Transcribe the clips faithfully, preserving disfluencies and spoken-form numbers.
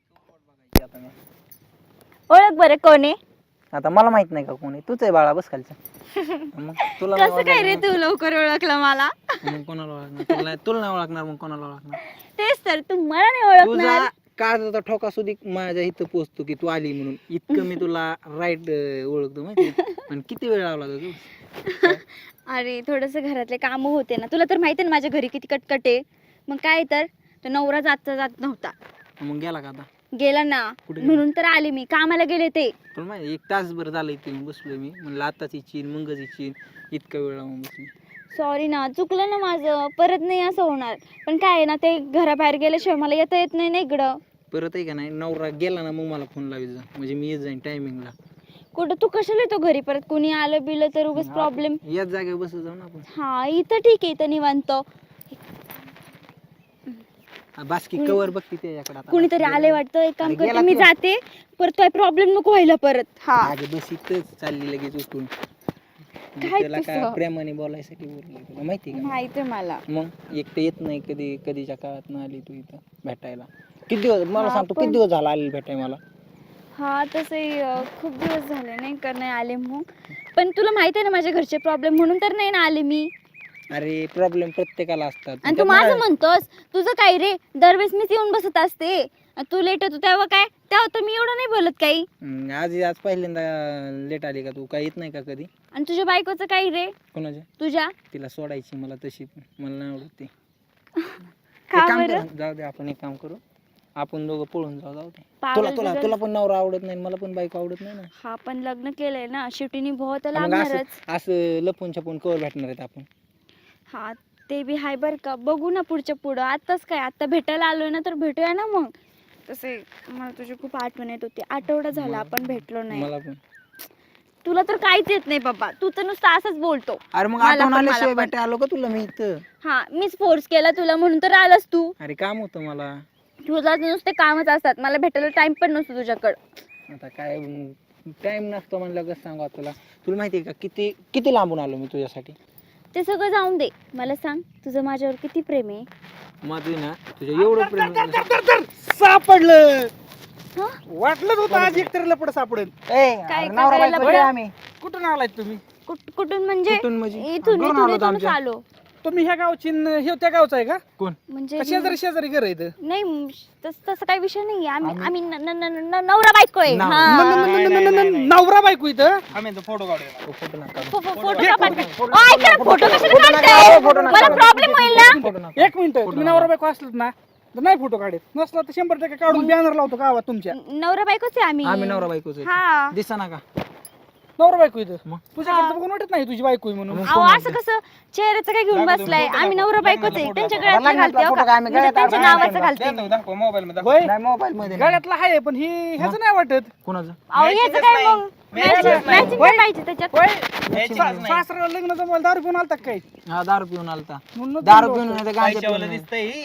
ओळख बरं कोण आहे? आता मला माहित नाही का कोण आहे. तूच आहे बाळा, बस खालच्या. मग तुला नाही कसं काय रे तू लवकर ओळखलं मला? ओळखणार, मग कोणाला ओळखणार? तुला नाही तुला नाही ओळखणार मग कोणाला ओळखणार? तेच तर, तू मला नाही ओळखणार. तुझा काळजाचा ठोका सुद्धा माझ्या इथं पोहोचतो की तू आली म्हणून. इतकं मी तुला राईट ओळखतो माहिती. पण किती वेळ लावला होता तू? अरे थोडस घरातले काम होते ना, तुला तर माहिती ना माझ्या घरी किती कटकट आहे. मग काय तर तो नवरा जात जात नव्हता, मग गेला का आता? गेला ना, कुठे म्हणून तर आले मी. कामाला गेले ते. तुला माहिती एक तासभर झालं इथे मी बसलोय. मी म्हणलं आताच इच्छीन मगच इच्छीन, इतका वेळ लावून बसली. सॉरी ना, चुकलं ना माझं, परत नाही असं होणार. पण काय आहे ना, ते घराबाहेर गेल्याशिवाय मला येता येत नाही ना इकडं. परत आहे का नाही, नवरा गेला ना मग मला फोन लावायचा, म्हणजे मी येत जाईन टायमिंगला. कुठं तू कशाला येतो घरी परत? कोणी आलं बिलं तर उगाच प्रॉब्लेम. याच जागेवर बसत जाऊ ना आपण. हा इथं ठीक आहे, इथं निवांत. बास्की कवर बघती त्याच्याकडे आता. कुणीतरी आले वाटतं. एक काम अरे करते गेला मी, तो. जाते. परत काय प्रॉब्लेम नको व्हायला परत. हा अगं बस इथंच चालली लगेच उठून. काय त्याला काय तुझं? प्रेमाने बोलायसाठी बोलले तुला माहिती का? माहिती आहे मला. मग एक तर येत नाही कधी, कधीच्या काळात ना आली तू इथं भेटायला. किती दिवस मला हा, सांगतो, पण- किती दिवस झाला आली भेटाय मला? हा तसंही अं, खूप दिवस झाले नाही का नाही आले मग. पण तुला माहिती आहे ना माझ्या घरचे प्रॉब्लेम, म्हणून तर नाही ना आले मी. अरे प्रॉब्लेम प्रत्येकाला असतात. आणि तू माझं म्हणतोस, तुझं काय रे? दरवेळेस मीच येऊन बसत असते. आणि तू लेट होतो तेव्हा काय, तेव्हा तर मी एवढं नाही बोलत काही. हम्म, आज आज पहिल्यांदा लेट आली का तू? काय येत नाही का कधी? आणि तुझ्या बायकोचं काय रे? कोणाच्या? तुझ्या तिला सोडायची मला तशी, पण मला नाही आवडत ते. का एक काम बरं? कर, जाऊ दे आपण एक काम करू, आपण दोघं पळून जाऊ. जाऊ दे. पागल तुला तुला बिगल. तुला पण नवरा आवडत नाही, मला पण बायको आवडत नाही ना. हा पण लग्न केलंय ना, शेवटी निभाव तर मग असं लागणारच. असं लपून छपून कवर भेटणार आहेत आपण? हा ते बी हाय बर का. बघू ना पुढच्या पुढं. आताच काय, आता भेटायला आलोय ना तर भेटूया ना मग. तसे मला तुझी खूप आठवण येत होती. आठवडा झाला आपण भेटलो नाही. मला पण. तुला तर काहीच येत नाही बाबा, तू तर नुसतं असंच बोलतो. अरे मग मला आठवण पण- आल्याशिवाय मला पण. भेटाय आलो का तुला मी इथं? हा मीच फोर्स केला तुला म्हणून तर आलास तू. अरे काम होतं मला. तुला नुसते कामच असतात, मला भेटायला टाइम पण नसतो तुझ्याकडं. आता काय टाइम नसतो म्हणलं कसं सांगा तुला. तुला माहिती आहे का किती किती लांबून आलो मी तुझ्यासाठी? ते सगळं जाऊन दे, मला सांग तुझं माझ्यावर किती प्रेम आहे? माझं ना तुझ्या एवढं प्रेम. सापडलं. हा? वाटलंच होतं आज एकतरी लपड सापडेल. ए, काय अरे नवरा करायला बायको बरं? आहे आम्ही. कुठून आलाय तुम्ही? कुठ- कुठून म्हणजे? कुठून म्हणजे? इथून घरून इथून आलो होतो इथूनच आमच्या. आलो. तुम्ही ह्या गावची न हे त्या गावचा आहे का? कोण? म्हणजे का शेजारी शेजारी घर आहे इथं? नाही म, तस- तसं काही विषय नाही. आम्ही आम्ही न- न- न- न- नवरा बायको आहे. नवरा. हा. न- न- न- न- न- न- नवरा बायको इथं. फोटो नका. फो- फो- फोटो का पाठवा? ओ, ऐका ना, फोटो कशाला काढताय? फोटो नका. मला प्रॉब्लेम होईल ना. फोटो नका. एक मिनिट, तुम्ही नवरा बायको असलात ना तर नाही फोटो काढत, नसला तर शंभर टक्के काढून बॅनर लावतो गावात तुमच्या. नवरा बायकोच आहे आम्ही. आम्ही नवरा बायकोच हा. दिसा ना का? नवरा बायको इथं. मग? तुझ्याकडे तर बघून वाटत नाही तुझी बायको आहे म्हणून. अहो असं कसं चेहऱ्याचं काय घेऊन बसलाय? आम्ही नवरा बायकोच आहे. त्यांच्या गळ्यातलं लग्नातला घालते हो फोटो का? काय आम्ही म्हणजे गळ्यात त्यांच्या घालतो? नावाचं घालते मी. होय, नाही मोबाईल मध्ये नाही. गाड्यातला आहे पण ही ह्याच नाही वाटत. कोणाचं? अहो याचं काय मग? मॅचिंग काय पाहिजे त्याच्यात? होय, सा- सासऱ्याला लग्न जमवायला दारू पिऊन आलता का काय? हा दारू पिऊन आलता. म्हणून दारू पिऊन नाही तर गांजा पिऊन नाही.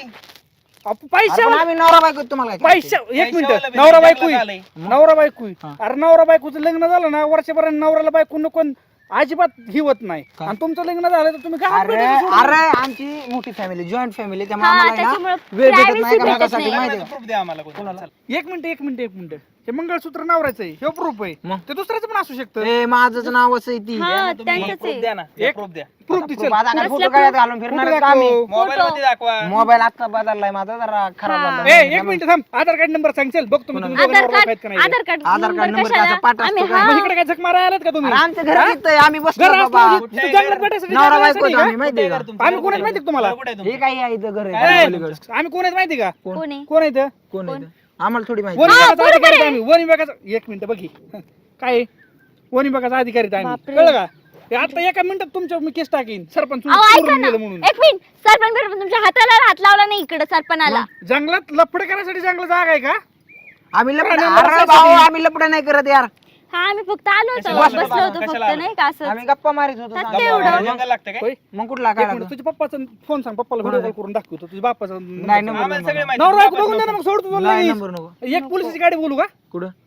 अप- अरे पैशावर पण आम्ही नवरा बायको तुम्हाला काय पैसा एक मिनिट, नवरा बायको आहे. नवरा बायको आहे. हा. अरे नवरा बायकोचं लग्न झालं ना वर्षभर नवऱ्याला बायको नको अजिबात हिवत नाही. का? आणि तुमचं लग्न झालं तर तुम्ही गावात अरे भेटायला सोडून- अरे आमची मोठी फॅमिली, जॉईंट फॅमिली, त्यामुळे हा, आम्हाला आहे त्याच्यामुळं ना वेळ भेटत नाही privacy का भेटत मागासाठी नाही. माहिती आहे का? कोणाला? एक मिनिट एक मिनिट एक मिनिट हे मंगळसूत्र नवऱ्याचं आहे, हे प्रूफ आहे. मग? ते दुसऱ्याचं पण असू शकतं. ए माझंच नावच आहे ती. हा त्यांचंच आहे. एक प्रूफ दिसेल. आता काय फोटो कसला काढत घालून फिरणार आहेत का आम्ही? फोटो. मोबाईल आता बदललाय माझा, जरा खराब हा. झाला. ए एक मिनिट थांब, आधार कार्ड नंबर सांगेल बघतो मी तुम्ही दोघं आधार नवरा बायको आहेत का कार्ड नाही. Aadhaar card Aadhaar card number कशाला? त्याचा पाठ असतो आम्ही का? हा मग इकडे काय झक मारायला आलात का तुम्ही? अरे आमचं घर तिथं आहे, आम्ही बसलो घर बाबा. असलं तिथं जंगलात भेटायसाठी नवरा जाण्यासाठी बायको का? आम्ही माहिती आहे का? आम्ही कोण आहेत माहिती का तुम्हाला? हे काही आहे इथं घर ए, आहे पलीकडं. आम्ही कोण आहेत माहिती का? कोण आहे? कोण आहेत? कोण आहे इथं? आम्हाला थोडी माहिती. वन हा, विभागाचा बरोबर अधिकारी आहेत आहे. आम्ही. वन विभागाचा एक मिनिट बघी काय आहे? वन विभागाचा अधिकारी आहेत आम्ही. बापरे. कळलं का? हे आता एका मिनिटात तुमच्या मी केस टाकीन सरपंच अहो ऐका चोरून ना, गेलं म्हणून. एक मिनिट. सरपंच बिरपंच तुमच्या हाताला हात लावला नाही इकडे सरपणाला. जंगलात लफड करण्यासाठी जंगल जागा आहे का? आम्ही लपड प्राण्यांना अरे बसायसाठी. भाऊ आम्ही लपड नाही करत यार. हा आम्ही फक्त आलो होतो, कशाला? बसलो होतो फक्त नाही का असं. आम्ही गप्पा मारित होतो. त्यात चांगलं. एवढं? होय? मग कुठला एक काय मिनिट, तुझ्या पप्पाचा फोन सांग, पप्पाला व्हिडिओ कॉल करून दाखवतो तुझ्या बाप्पाचा नाही नंबर नवरा बायको बघून दे ना मग सोडतो तुला नाही लगेच. नंबर नको. एक पोलिसाची गाडी बोलू का? कुठं?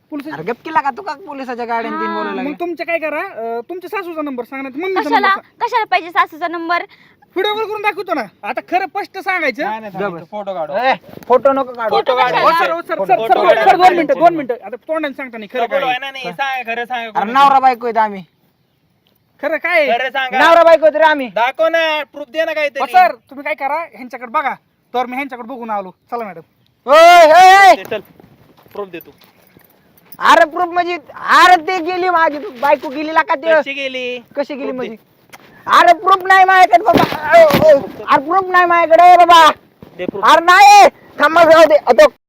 पोलिस अरे गप केला का तू का पोलिसाच्या गाड्याने तीन हा, बोलायला मग लागला? तुमचं काय करा अं, तुमच्या सासूचा नंबर सांगा नाही मम्मीचा कशाला नंबर कशाला पाहिजे सासूचा नंबर? व्हिडिओ कॉल करून दाखवतो ना आता खरं स्पष्ट सांगायचं फोटो काढू ए, फोटो नको काढू. फोटो हो, कशाला? सर, हो, sir, photo- sir, photo sir, काढा. सर, दोन मिनिटं दोन मिनिटं आता तोंडाने सांगता नाही खरं फोटो काय आहे ना नाही सांग खरं सांग अरे नवरा बायको आहेत आम्ही. खरं काय आहे? खरं सांगा नवरा बायको आहेत रे आम्ही. दाखव ना प्रूफ दे ना हो, काहीतरी सर तुम्ही काय करा ह्यांच्याकडे बघा तर मी ह्यांच्याकडे बघून आलो चला मॅडम ओय, ओय, दे, चल प्रूफ दे तू अरे प्रूफ म्हणजे अरे ते गेली माझी बायको गेली का ते कशी गेली कशी गेली proof म्हणजे अरे प्रूफ नाही माझ्याकडे बाबा अरे प्रूफ नाही माझ्याकडे बाबा दे proof. अरे नाही थांबा जाऊ दे आता